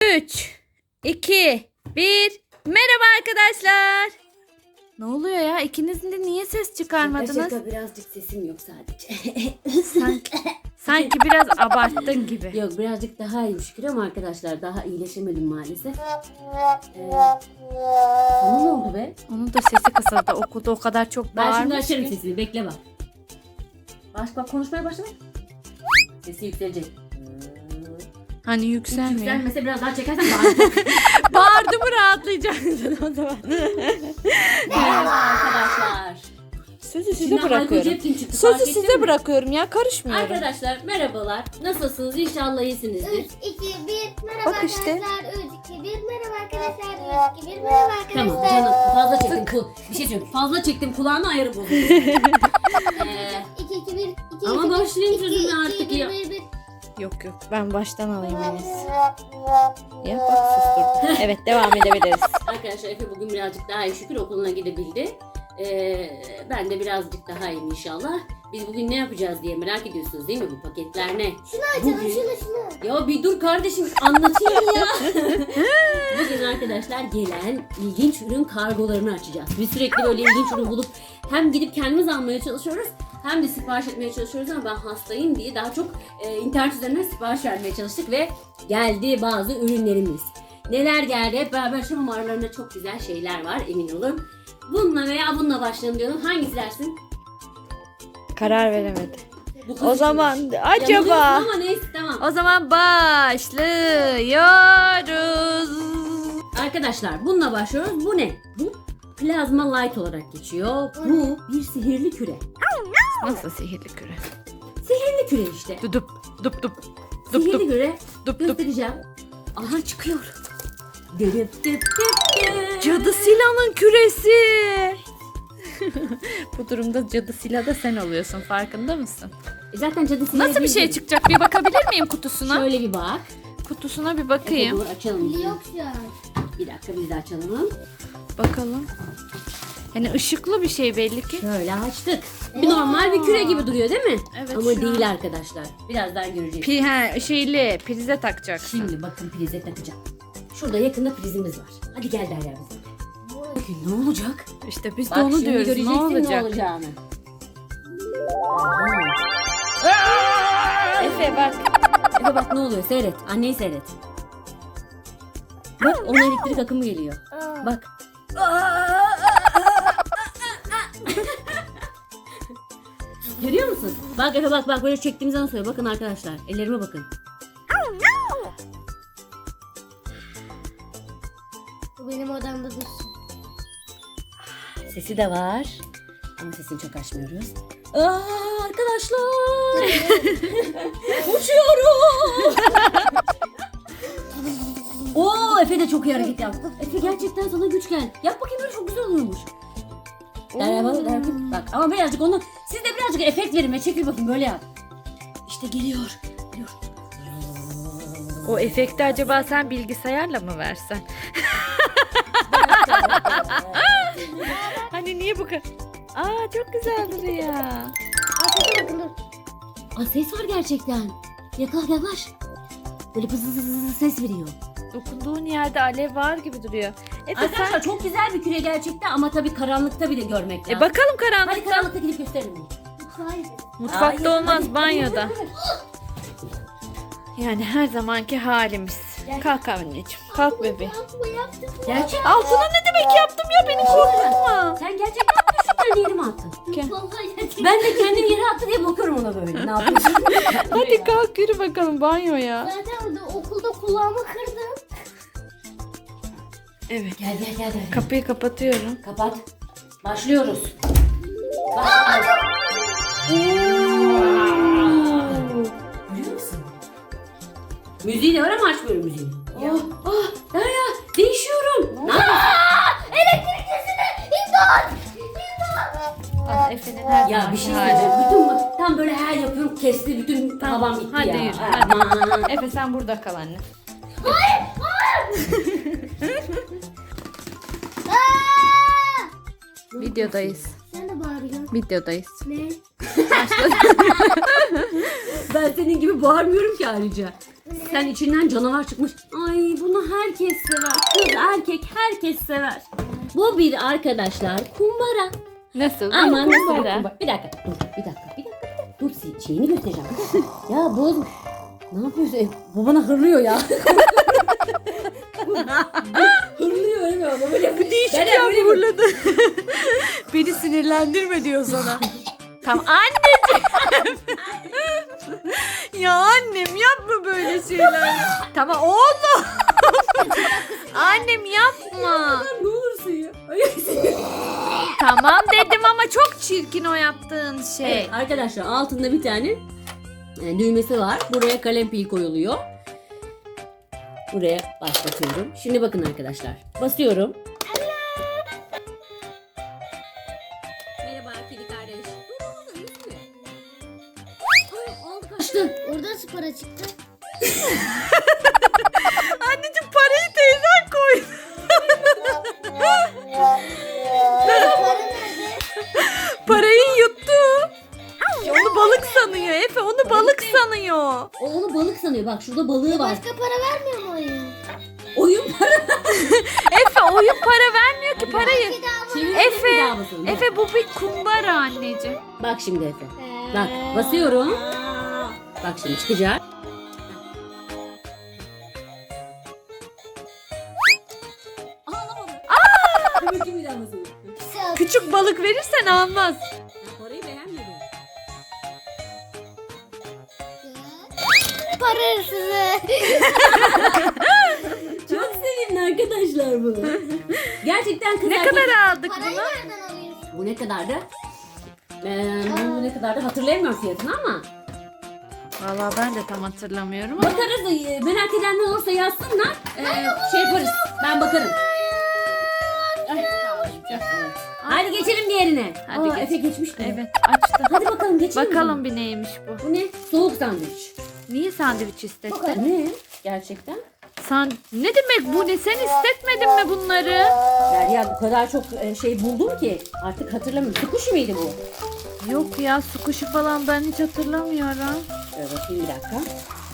3, 2, 1. Merhaba arkadaşlar. Ne oluyor ya? İkinizin de niye ses çıkarmadınız? Şaka birazcık sesim yok sadece. Sanki biraz abarttın gibi. Yok birazcık daha iyiyim şükür ama arkadaşlar daha iyileşemedim maalesef. Sana ne oldu be? Onun da sesi kısıldı. Okulda o kadar çok Ben şimdi bağırmış açarım ki. sesini, bekle bak. Bak konuşmaya başla. Sesi yükselecek. Hani yükselmiyor. Yükselmese biraz daha çekersen bağıracak. Bağırdı mı rahatlayacaksın o zaman. Merhaba arkadaşlar. Sözü size Şimdi bırakıyorum. Hayko Cepkin çıktı, fark Sözü ettin size mi? bırakıyorum ya, karışmıyorum. Arkadaşlar merhabalar. Nasılsınız? İnşallah 3, iyisinizdir. 2, 1, merhaba Bak işte. arkadaşlar. 3, 2, 1, merhaba arkadaşlar. 3, 2, 1, merhaba Tamam arkadaşlar. canım fazla çektim bir şey söyleyeyim. Fazla çektim kulağını ayarı bozuldu. 2, 2, 1, 2, Ama başlayın sözümle artık ya. 1. Yok ben baştan alayım Enes. Ya bak susturdum. Evet, devam edebiliriz. Arkadaşlar Efe bugün birazcık daha iyi şükür okuluna gidebildi. Ben de birazcık daha iyiyim inşallah. Biz bugün ne yapacağız diye merak ediyorsunuz değil mi? Bu paketler ne? Şunu açalım, şunu. Ya bir dur kardeşim anlatayım ya. Bugün arkadaşlar gelen ilginç ürün kargolarını açacağız. Biz sürekli böyle ilginç ürün bulup hem gidip kendimiz almaya çalışıyoruz hem de sipariş etmeye çalışıyoruz ama ben hastayım diye daha çok internet üzerinden sipariş vermeye çalıştık ve geldi bazı ürünlerimiz. Neler geldi? Hep beraber şu aralarında çok güzel şeyler var emin olun. Bununla veya bununla başlayalım diyorum. Hangisi dersin? Karar veremedi. Bu kız O için. zaman Yanılıyorsun acaba... ama neyse tamam. O zaman başlıyoruz. Arkadaşlar bununla başlıyoruz. Bu ne? Bu plazma light olarak geçiyor. Bu bir sihirli küre. Nasıl sihirli küre? Sihirli küre işte. Dudup dup dup dup Sihirli dup küre dup dup. göstereceğim. Aha çıkıyor. Dırıp dıp dıp dıp. Cadı Sila'nın küresi. Bu durumda Cadı Sila da sen oluyorsun, farkında mısın? Zaten cadı sihirli Nasıl bir şey değil. çıkacak? Bir bakabilir miyim kutusuna? Şöyle bir bak. Kutusuna bir bakayım. Dur açalım. Yok şu an. Bir dakika biz de açalım. Bakalım. Yani ışıklı bir şey belli ki. Şöyle açtık. Bir normal bir küre gibi duruyor değil mi? Evet, Ama şu an. değil arkadaşlar. Birazdan göreceğiz. Şeyli prize takacaksın. Şimdi bakın prize takacağım. Şurada yakında prizimiz var. Hadi gel Derya bize. Bakın ne olacak? İşte biz de Bak onu şimdi diyoruz. Ne göreceksin olacak? olacağını. Efe bak. Efe bak ne oluyor seyret. Anneyi seyret. Bak ona elektrik akımı geliyor. Bak. Görüyor musun? Bak Efe bak böyle çektiğimiz nasıl oluyor. Bakın arkadaşlar ellerime bakın. Bu benim odamda dursun. Sesi de var. Ama sesini çok açmıyoruz. Arkadaşlar. Uçuyorum. Oo Efe de çok iyi hareket yaptı. Efe gerçekten sana güç gel. Yap bakayım öyle çok güzel oluyormuş. Derya bak. Bak ama birazcık onu siz de birazcık efekt verin ve çekil bakayım böyle yap. İşte geliyor. O efekti acaba sen bilgisayarla mı versen? Hani niye bu kadar? Aa, çok güzel duruyor. Arkadaşlar bakın dur. Aa ses var gerçekten. Yaklaş. Böyle pız ses veriyor. Dokunduğun yerde alev var gibi duruyor. Efe Arkadaşlar sen... çok güzel bir küre gerçekten ama tabii karanlıkta bir de görmek lazım. Bakalım Hadi karanlıkta. karanlıkta gidip gösterelim bunu. Hayır. Mutfakta Hayır, olmaz, hadi. banyoda. Yani her zamanki halimiz. Kalk anneciğim. Kalk bebeğim. Gerçek. Altına ne demek yaptım ya, beni korkutma. Sen gerçekten düşünden yere mi attın? Vallahi gerçekten. Ben de kendimi yere attı diye bakıyorum ona böyle. Ne yapıyorsun? Hadi kalk yürü bakalım banyoya. Zaten orada okulda kulağımı kırdım. Evet. Gel. Kapıyı kapatıyorum. Kapat. Başlıyoruz. Başlıyoruz. Görüyor musun? Müziği de var ama açmıyorum müziği. Derya değişiyorum. Ne yapıyorsun? Elektrik kesildi. İmdat. Ah, Efe'nin her Ya zamanki bir şey hali. söyleyeceğim. Bütün böyle her yapıyorum kesti bütün havam gitti Hadi ya. yürü. Aman. Efe sen burada kal anne. Videodayız. Sen de bağırıyorsun. Videodayız. Ne? Ben senin gibi bağırmıyorum ki ayrıca. Sen içinden canavar çıkmış. Ay bunu herkes sever. Kız, erkek herkes sever. Bu bir arkadaşlar kumbara. Nasıl? Ama nasıl bir Kumbara. kumbara? Bir dakika dur, bir dakika. Dur, şeyini göstereceğim. Ya boz. Ne yapıyorsun? Bu bana hırlıyor ya. Hırlıyor öyle mi? Böyle Değişik Ben ya böyle- vurladı. Beni sinirlendirme diyor sana. Tamam anneciğim. Ya annem yapma böyle şeyler. Tamam oğlum. Annem yapma. Ne olursun ya. Tamam dedim ama çok çirkin o yaptığın şey. Evet, arkadaşlar altında bir tane düğmesi var. Buraya kalem pil koyuluyor. Buraya başlatıyorum. Şimdi bakın arkadaşlar. Basıyorum. Merhaba kedi kardeş. Aldı kaçtı. Orada spora çıktı. Anneciğim parayı teyzen koy. Para nerede? Parayı yuttu. Onu balık sanıyor Efe, onu balık sanıyor. O onu balık sanıyor. Bak şurada balığı var. Başka para vermiyor mu oyun? Oyun para. Efe oyun para vermiyor ki parayı. Kedi alma. Çevirin, Efe, bir daha basın. Efe bu bir kumbara anneciğim. Bak şimdi Efe. Bak basıyorum. Bak şimdi çıkacak. Ağlamadı. Aa! Bakayım bir daha basın. Küçük balık verirsen almaz. Parayı beğenmedim. Para hırsızı. Çok sevimli arkadaşlar bunu. Gerçekten kız Ne erkek- kadar aldık Parayı bunu? nereden alıyorsun? Bu ne kadardı? Bu ne kadardı hatırlayamıyorum fiyatını ama. Vallahi ben de tam hatırlamıyorum ama. Bakarız, merak edenler olursa yazsınlar. Şey yaparız. Ben bakarım. Ay, evet. Hadi geçelim diğerine. Hadi geç. Efe geçmiş bile. Evet açtı. Hadi bakalım geçelim. Bakalım bir neymiş bu. Bu ne? Soğuk sandviç. Niye sandviç istedin? Bakalım ne? Gerçekten. Ne demek bu ne? Sen istetmedin mi bunları? Derya bu kadar çok şey buldum ki artık hatırlamıyorum. Sukushi miydi bu? Yok ya su kuşu falan ben hiç hatırlamıyorum. Şöyle bakayım bir dakika.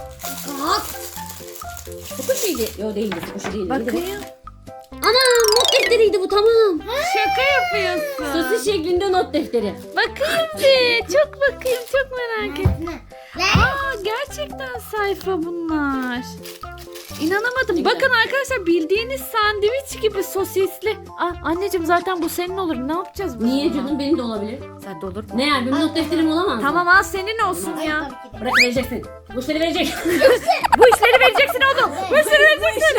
Sukushi'ydi. Yok değildi. Sukushi değildi. Neydi bu? Bakayım. Ana not defteriydi bu tamam. Şaka yapıyorsun. Sosis şeklinde not defteri. Bakayım bir. Çok bakayım. Çok merak ettim. Ne? Aa gerçekten sayfa bunlar. İnanamadım. Bakın arkadaşlar bildiğiniz sandviç gibi sosisli. Aa, anneciğim zaten bu senin olur. Ne yapacağız bunu? Niye canım benim de olabilir. Sen de olur mu? Ne yani benim not defterim olamaz mı? Tamam al senin olsun Ay, ya. tabii ki de. Bırak vereceksin. Bu işleri verecek. Bu işleri vereceksin oğlum. Bu işleri vereceksin.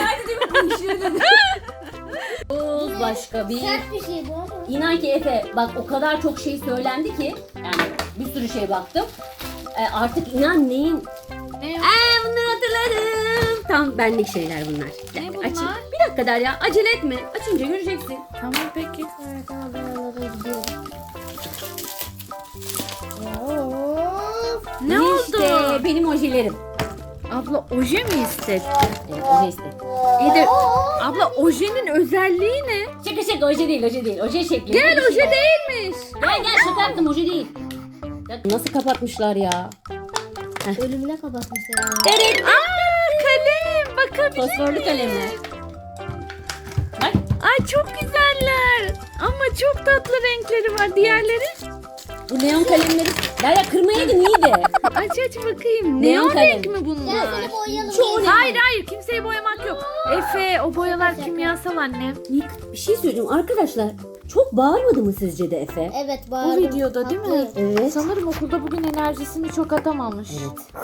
Başka bir. Sert bir şey bu ama. İnan ki Efe bak o kadar çok şey söylendi ki yani bir sürü şey baktım. Artık inan neyin? Ne? Bunları hatırladım. Tam benlik şeyler bunlar. Bir Ne dakika, bunlar? açayım. Bir dakika Derya acele etme. Açınca göreceksin. Tamam peki. Evet oralara gidiyorum. Of. Ne oldu? İşte benim ojelerim. Abla oje mi istedi? Evet oje istedim. İyi de abla ojenin özelliği ne? Şaka oje değil oje değil. Oje şekli. Gel Bir şey oje var. değilmiş. Gel şaka yaptım oje değil. Ya, nasıl kapatmışlar ya? Ölümüne kapatmışlar. Evet. Aa kalem bakabilir Fosforlu miyim? kalemler. Bak. Ay çok güzeller. Ama çok tatlı renkleri var. Diğerleri? Bu neon kalemleri. Derya kırmayaydın iyiydi. Aç bakayım. Neon Neon kalem. renk mi Gel bunlar? seni boyayalım. Çoğu Gel. Hayır kimseyi boyamak yok. Efe o boyalar kimyasal annem. Bir şey söyleyeceğim arkadaşlar. Çok bağırmadı mı sizce de Efe? Evet O bağırdım. videoda değil mi? Haklıyım. Evet. Sanırım okulda bugün enerjisini çok atamamış. Evet.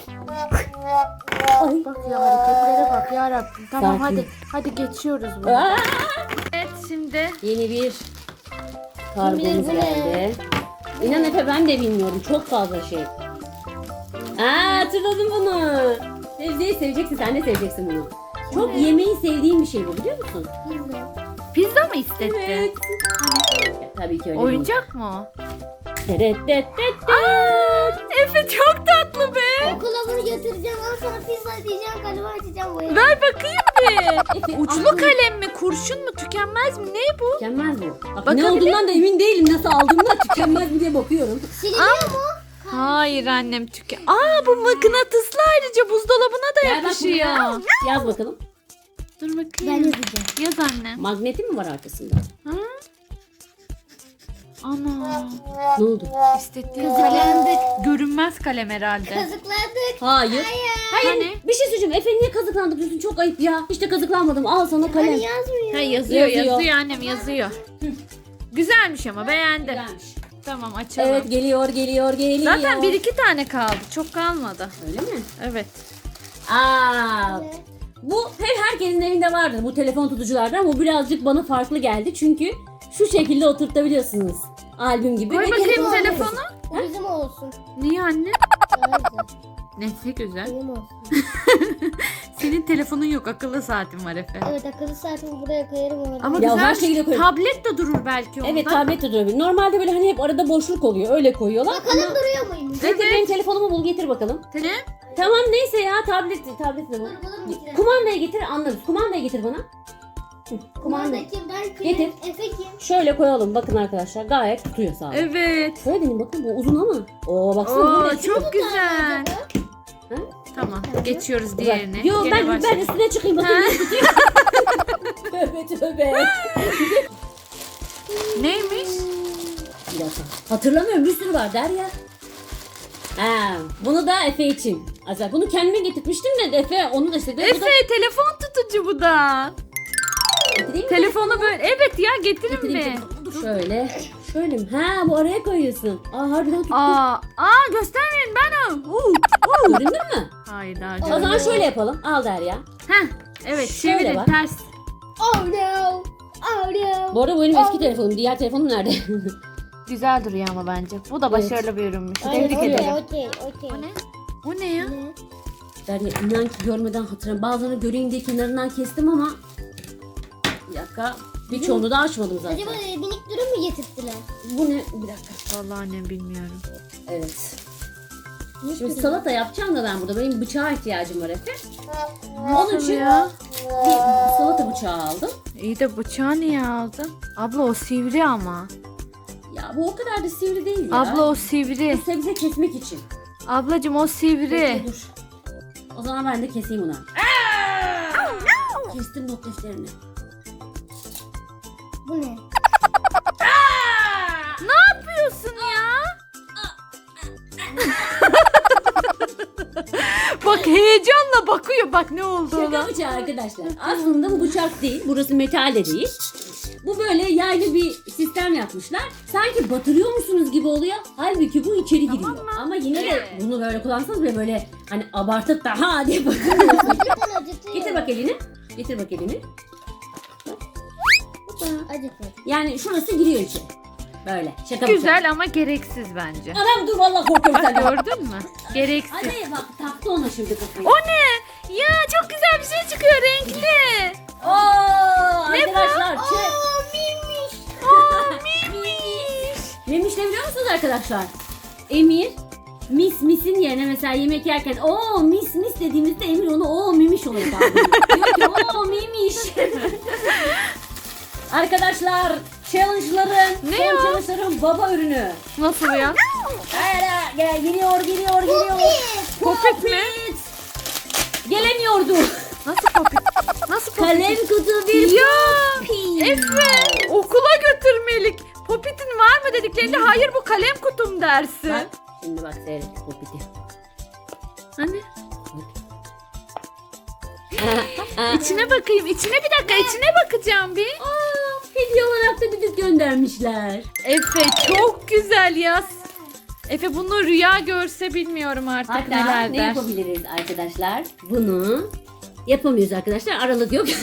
Bak ya hareketlere bak ya Rabbim. Tamam Sakin. hadi geçiyoruz bunu. Aa! Evet şimdi Yeni bir Kim kargomuz bilir bu ne? geldi. İnan Efe ben de bilmiyorum. Çok fazla şey. Hatırladım bunu. Sebzeyi seveceksin. Sen de seveceksin bunu. Çok yemeği sevdiğim bir şey bu biliyor musun? pizza mı istetti? Ya, tabii ki öyle. Oyuncak mı o? Evet. Aa, Efe çok tatlı be. Okula bunu götüreceğim. Ondan sonra pizza diyeceğim. Kalemi açacağım boyayacağım. Ver bakayım bir. Efe, Uçlu aklım- kalem mi? Kurşun mu? Tükenmez mi? Ne bu? Tükenmez bu. Bak, Bakabilir ne olduğundan da emin değilim. Nasıl aldığımdan tükenmez mi diye bakıyorum. Siliniyor mu? Hayır annem bu mıknatıslı ayrıca buzdolabına da Gel bak buraya. yakışıyor. Yaz bakalım. Dur bakayım. Ben yazacağım. Yaz anne. Magneti mi var arkasında? Ha? Ana. Ne oldu? İstediğin Kazıklandık. görünmez kalem herhalde. Kazıklandık. Hayır. Hayır. Hani? Bir şey söyleyeceğim. Efe niye kazıklandık diyorsun? Çok ayıp ya. Hiç de kazıklanmadım. Al sana kalem. Hani yazmıyor. Ha, yazıyor Yazıyor. annem yazıyor. Güzelmiş ama beğendim. Güzelmiş. Tamam açalım. Evet geliyor. Zaten 1-2 tane kaldı. Çok kalmadı. Öyle mi? Evet. Aa. Bu herkesin evinde vardır bu telefon tutuculardan. Bu birazcık bana farklı geldi. Çünkü şu şekilde oturtabiliyorsunuz. Albüm gibi. Koy Ve bakayım telefon- telefonu. Bu bizim olsun. Niye anne? Daha güzel. Ne güzel. Benim olsun. Senin telefonun yok. Akıllı saatin var Efe. Evet akıllı saatimi buraya koyarım orada. Ama Ya her güzelmiş. şeyi de koyun. Tablet de durur belki onda. Evet tablet de durabilir. Normalde böyle hani hep arada boşluk oluyor. Öyle koyuyorlar. Bakalım duruyor muymuş? Getir benim telefonumu bul getir bakalım. Ne? Tamam neyse ya tablet de bul. Dur bulur mu? Kumandayı getir anlarız. Kumandayı getir bana. Hı, Kumandayı. Kumandaki ben kim? Getir. Efe kim? Şöyle koyalım bakın arkadaşlar gayet tutuyor sağ olun. Evet. Şöyle benim bakın bu uzun ama. Oo baksana bu Oo ne? çok güzel. Ha? Tamam geçiyoruz diğerine. Yo Gene ben başlayalım. üstüne çıkayım bakayım. Ha? ne tutuyor. Tövbe tövbe. Neymiş? Bir dakika. Hatırlamıyorum bir sürü var Derya. Ha, bunu da Efe için. Aslında bunu kendime getirmiştim de Efe onu da istedi. Bu da Efe telefon tutucu bu da. getireyim mi? Telefonu böyle. Evet ya getirin Getireyim, mi? getireyim. Dur şöyle. Şöyle mi? Ha bu araya koyuyorsun. Aa harbiden tuttu. Aa göstermeyin ben o. Göründün mü? Hayır daha O zaman şöyle yapalım. Al Derya. Heh, evet Şöyle çevirin bak. ters. Oh no. Oh no. Bu arada bu benim eski telefonum. Diğer telefonum nerede? Güzel duruyor ama bence. Bu da başarılı bir ürünmüş. Aynen, Tebrik öyle. ederim. Okey okey. O ne? O ne ya? Ne? Derya inan ki görmeden hatırlamıyorum. Bazılarını göreyim diye kenarından kestim ama bir dakika. Birçoğunu da açmadım zaten. Acaba minik dürüm mü getirttiler? Bu ne? Bir dakika. Vallahi annem bilmiyorum. Evet. Minik Şimdi dürüm. salata yapacağım da ben burada. Benim bıçağa ihtiyacım var Efe. Onun Nasıl için ya? bir salata bıçağı aldım. İyi de bıçağı niye aldın? Abla o sivri ama. Ya bu o kadar da sivri değil ya. Abla o sivri. Bu sebze kesmek için. Ablacım o sivri. Bekle, dur. O zaman ben de keseyim onu. Kestim not defterini. Bu ne? Ne yapıyorsun ya? Bak heyecanla bakıyor. Bak ne oldu Şaka ona. bıçağı arkadaşlar. Aslında bu bıçak değil. Burası metal de değil. Bu böyle yaylı bir sistem yapmışlar. Sanki batırıyor musunuz gibi oluyor. Halbuki bu içeri giriyor. Ama yine de bunu böyle kullansanız bile böyle hani abartıp da ha diye batırıyorsunuz. Acıtın acıtıyor. Getir bak elini. Getir bak elini. Acıtın. Yani şurası giriyor içeri. Böyle. Şaka bıçağı. Güzel ama gereksiz bence. Anam dur vallahi korkuyorum Bak senden. gördün mü? Gereksiz. Hadi bak taktı ona şimdi kafayı. O ne? Ya çok güzel bir şey çıkıyor renkli. Oo, Ne bu? arkadaşlar. Oo miymiş. Miymiş. Memiş ne biliyor musunuz arkadaşlar? Emir misin yerine mesela yemek yerken o mis dediğimizde Emir onu o mimiş oluyor. Diyor ki o mimiş. Arkadaşlar challenge'ların Ne son o? challenge'ların baba ürünü. Nasıl ya? Hayır gel geliyor. Popit mi? Gelemiyordu. Nasıl popit? Nasıl popit? Kalem kutu bir Ya popit. Efe okula götürmelik. Popitin var mı dediklerinde hayır bu kalem kutum dersin. Bak şimdi bak seyret popiti. Hani? İçine bakayım. İçine bir dakika. İçine bakacağım bir. Hediye olarak da düdük göndermişler. Efe çok güzel ya. Efe bunu rüya görse bilmiyorum artık Hatta neler ne der. yapabiliriz arkadaşlar? Bunu yapamıyoruz arkadaşlar. Aralık yok.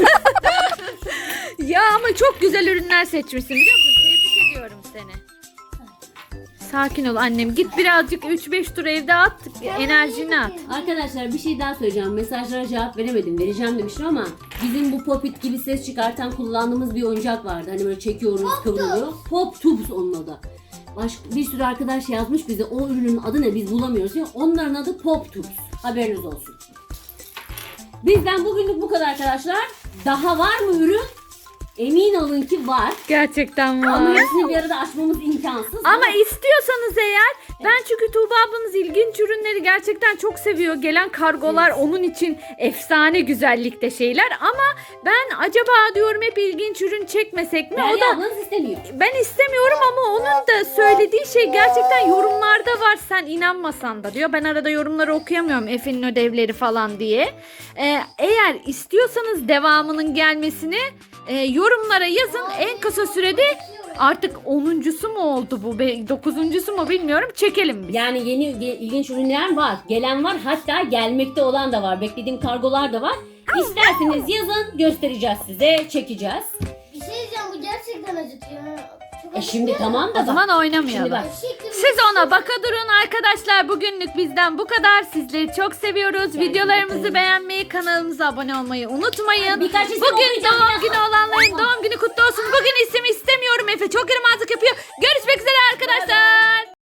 Ya ama çok güzel ürünler seçmişsin biliyor musun? Tebrik ediyorum seni. Sakin ol annem. Git birazcık 3-5 tur evde at. Enerjini at. Arkadaşlar bir şey daha söyleyeceğim. Mesajlara cevap veremedim. Vereceğim demiştim ama bizim bu popit gibi ses çıkartan kullandığımız bir oyuncak vardı. Hani böyle çekiyoruz kıvrılıyor. Pop tubes onun adı. Bir sürü arkadaş yazmış bize o ürünün adı ne biz bulamıyoruz ya. Onların adı pop tubes. Haberiniz olsun. Bizden bugünlük bu kadar arkadaşlar. Daha var mı ürün? Emin olun ki var. Gerçekten Ama var. hepsini bir arada açmamız imkansız. Ama istiyorsanız eğer, ben çünkü Tuğba ablanız ilginç ürünleri gerçekten çok seviyor. Gelen kargolar onun için efsane güzellikte şeyler. Ama ben acaba diyorum hep ilginç ürün çekmesek mi? O Derya da ablanız istemiyor. ben istemiyorum ama onun da söylediği şey gerçekten yorumlarda var. Sen inanmasan da diyor. Ben arada yorumları okuyamıyorum, Efe'nin ödevleri falan diye. Eğer istiyorsanız devamının gelmesini yorumlara yazın. En kısa sürede artık 10'uncusu mu oldu bu? 9'uncusu mu bilmiyorum. Çekelim biz. Yani yeni ilginç ürünler var. Gelen var. Hatta gelmekte olan da var. Beklediğim kargolar da var. İsterseniz yazın. Göstereceğiz size. Çekeceğiz. Bir şey diyeceğim, bu gerçekten acıtıyor. Çok Şimdi tamam da O zaman Şimdi oynamayalım. bak. Siz ona baka durun arkadaşlar. Bugünlük bizden bu kadar. Sizleri çok seviyoruz. Videolarımızı beğenmeyi, kanalımıza abone olmayı unutmayın. Birkaç isim Bugün okuyacağım doğum biraz. günü olanların doğum günü kutlu olsun. Bugün isim istemiyorum. Efe çok yaramazlık yapıyor. Görüşmek üzere arkadaşlar.